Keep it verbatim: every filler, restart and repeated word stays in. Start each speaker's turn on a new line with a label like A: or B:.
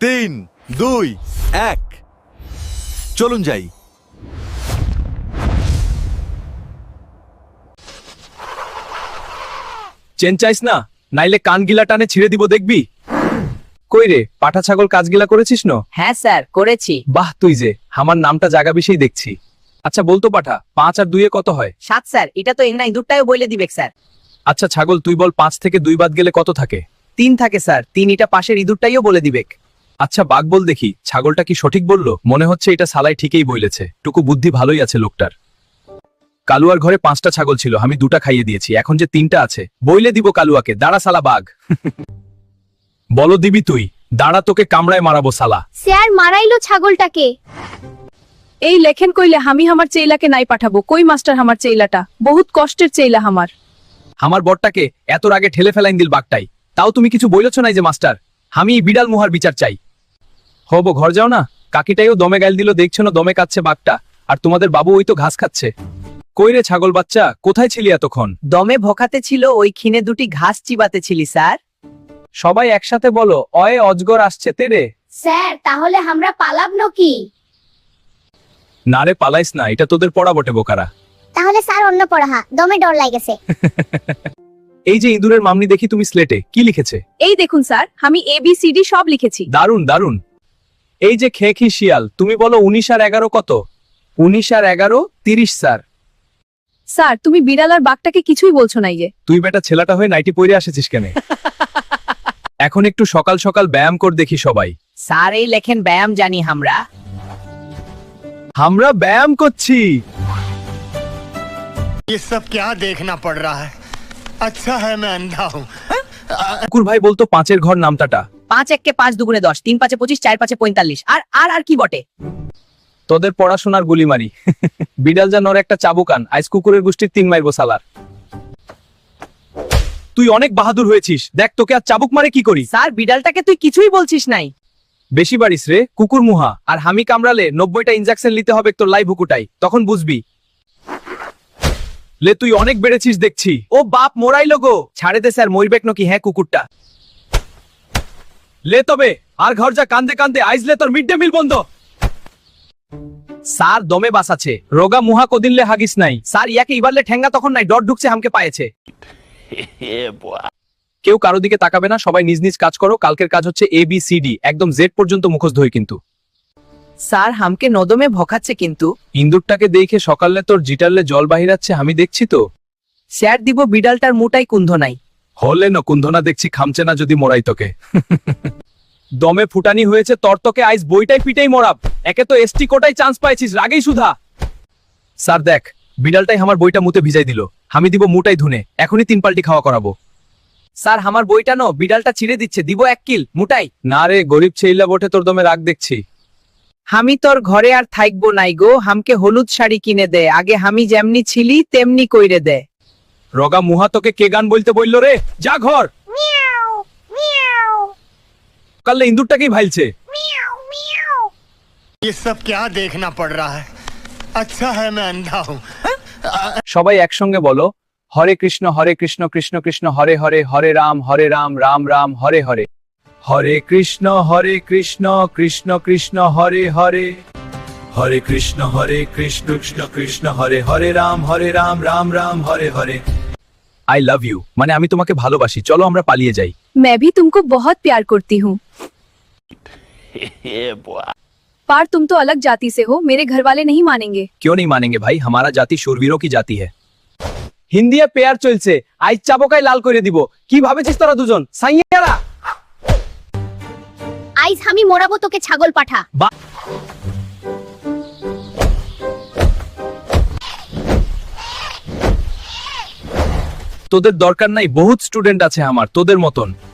A: তিন দুই এক চলুন যাই।
B: চেন চাইস না, নাইলে কান গিলা টানে ছিঁড়ে দিব দেখবি। কই রে, পাঠা ছাগল কাজগিলা করেছিস ন?
C: হ্যাঁ স্যার করেছি।
B: বাহ, তুই যে আমার নামটা জাগা বিষয় দেখছি। আচ্ছা বলতো পাঠা, পাঁচ আর দুইয়ে কত হয়?
C: সাত স্যার, এটা তো এর নাই দুটাও বলে দিবে স্যার।
B: আচ্ছা ছাগল, তুই বল পাঁচ থেকে দুই বাদ গেলে কত থাকে?
C: তিন থাকে স্যার, তিন এটা পাশের ইঁদুরটাইও বলে দিবেক।
B: আচ্ছা বাঘ বল দেখি, ছাগলটা কি সঠিক বলল? মনে হচ্ছে এটা সালাই ঠিকই বলেছে, টুকু বুদ্ধি ভালোই আছে লোকটার। কালুয়ার ঘরে পাঁচটা ছাগল ছিল, আমি দুটা খাইয়ে দিয়েছি, এখন যে তিনটা আছে বইলে দিব কালুয়াকে, দাঁড়া সালা বাঘ। বলো দিবি তুই? দাঁড়া, তোকে কামড়ায় মারাবো সালা।
D: স্যার মারাইলো ছাগলটাকে।
E: এই লেখেন কইলে আমি আমার চেইলাকে নাই পাঠাবো, কই মাস্টার আমার চেইলাটা বহুত কষ্টের চেইলা আমার।
B: আমার বরটাকে এত আগে ঠেলে ফেলাইন দিল বাঘটাই, তাও তুমি কিছু বইলছ নাই যে মাস্টার? আমি বিড়াল মুহার বিচার চাই। হবো ঘর যাও না, কাকিটাইও দমে গাইল দিল, দেখছো না দমে কাচ্ছে বাঘটা, আর তোমাদের বাবু ওই তো ঘাস খাচ্ছে। কই রে ছাগল বাচ্চা, কোথায় ছিলি এতক্ষণ?
C: দমে ভোকাতে ছিল, ওই খিনে দুটি ঘাস চিবাতে ছিলি স্যার।
B: সবাই একসাথে বলো, অয়ে অজগর আসছে তেরে।
D: স্যার তাহলে আমরা পালাব নাকি?
B: না রে পালাইস না, এটা তোদের পড়া বটে বোকারা।
D: তাহলে স্যার অন্য পড়া, দমে ডর লাগেছে।
B: এই যে ইঁদুরের মামনি, দেখি তুমি স্লেটে কি লিখেছে?
E: এই দেখুন স্যার, আমি এ বি সি ডি সব লিখেছি।
B: দারুন দারুন। এই যে খেখি শিয়াল, তুমি বলো উনিশ আর এগারো কত? উনিশ আর এগারো তিরিশ স্যার।
E: স্যার তুমি বিড়াল আর বাঘটাকে কিছুই বলছো নাই যে।
B: তুই বেটা ছেলেটা হয়ে নাইটি পরে আসেছিস কেন? এখন একটু সকাল সকাল ব্যায়াম কর দেখি সবাই।
C: স্যার এই লেখেন ব্যায়াম জানি আমরা।
B: আমরা ব্যায়াম করছি।
F: ये सब क्या देखना पड़ रहा है? अच्छा है मैं अंधा हूँ।
B: কুকুর ভাই বলতো পাঁচের ঘর নামটাটা।
C: পাঁচ এককে পাঁচ দুগুণে দশ, তিন পাঁচে পঁচিশ, চার পাঁচে পঁয়তাল্লিশ, আর আর আর কি বটে?
B: তোদের পড়াশোনার গুলি মারি। বিড়াল যা নর একটা চাবুকান, আইস কুকুরের গোষ্ঠীর তিন মাইরবো সালার। তুই অনেক বাহাদুর হয়েছিস, দেখ তোকে আর চাবুক মারে কি করি।
C: স্যার বিড়ালটাকে তুই কিছুই বলছিস নাই।
B: বেশি বাড়িস রে কুকুর মুহা, আর হামি কামড়ালে নব্বইটা ইনজেকশন নিতে হবে তোর লাইভ হুকুটাই, তখন বুঝবি। লে তুই অনেক বেড়েছিস দেখছি। ও বাপ মোরাইলো গো, ছাড়ে দে স্যার, মরবেক নাকি? হ্যাঁ কুকুরটা লে তবে, আর ঘর যা কান্দে কান্দে, আইজলে তোর মিড ডে মিল বন্ধ। স্যার দমে বাসাছে, রোগা মুহা কদিনলে হাগিস নাই। স্যার ইয়াকে ইবারলে ঠেঙ্গা তখন নাই, ডট ঢুকছে হামকে পায়েছে। কেউ কারো দিকে তাকাবে না, সবাই নিজ নিজ কাজ করো। কালকের কাজ হচ্ছে এ বি সি ডি, একদম জেড পর্যন্ত মুখস্থ হই কিন্তু।
C: স্যার হামকে নদমে ভোকাচ্ছে কিন্তু।
B: ইন্দুরটাকে দেখে সকালে তোর জিটারলে জল বাহিরাচ্ছে, আমি দেখছি তো।
C: স্যার দিব বিড়ালটার মুটাই কুন্ধ নাই।
B: হলে ন কুন্ধনা দেখছি, খামছে না যদি মরাই তোকে। দমে ফুটানি হয়েছে তর, তোকে আইস বইটাই পিটাই মরাব। একে তো এসটি কোটাই চান্স পাইছিস, রাগেই সুধা। স্যার দেখ, বিড়ালটাই আমার বইটা মুতে ভিজাই দিল, আমি দিব মুটাই ধুনে, এখনই তিন পাল্টি খাওয়া করাবো।
C: স্যার আমার বইটা নো, বিড়ালটা ছিঁড়ে দিচ্ছে, দিব এক কিল মুটাই।
B: না রে গরিব ছেইলা বটে, তোর দমে রাগ দেখছি।
C: আমি তোর ঘরে আর থাকবো নাই গো, হামকে হলুদ শাড়ি কিনে দে, আগে আমি যেমনি ছিলি তেমনি কইরে দে।
B: রগা মুহা, তোকে কে গান বলতে বললো রে? যা ঘর। কালে ইন্দুরটাকেই ভাইলছে।
F: ये सब क्या देखना पड़ रहा है? अच्छा है मैं अंधा हूँ।
B: সবাই একসঙ্গে বলো, Hare Krishna Hare Krishna Krishna Krishna Hare Hare, Hare Ram Hare Ram Ram Ram Hare Hare. Hare Krishna Hare Krishna Krishna Krishna Hare Hare, Hare Krishna Hare Krishna Krishna Krishna Hare Hare, Ram Hare Ram Ram Ram Hare Hare. I love you, মানে আমি তোমাকে ভালোবাসি, চলো আমরা পালিয়ে যাই।
E: मैं भी तुमको बहुत प्यार करती हूँ। पर तुम तो अलग जाति से हो, मेरे घर वाले नहीं मानेंगे।
B: क्यों नहीं मानेंगे भाई, हमारा जाति शूरवीरों की जाति है। হিন্দিয়া পেয়ার চলছে, আইজ চাবকাই লাল করে দিব। কি ভাবেছিস তোরা দুজন সাইয়ারা?
D: আইজ আমি মোরাবো তোকে ছাগল পাঠা।
B: তোদের দরকার নাই, বহুত স্টুডেন্ট আছে আমার তোদের মতন।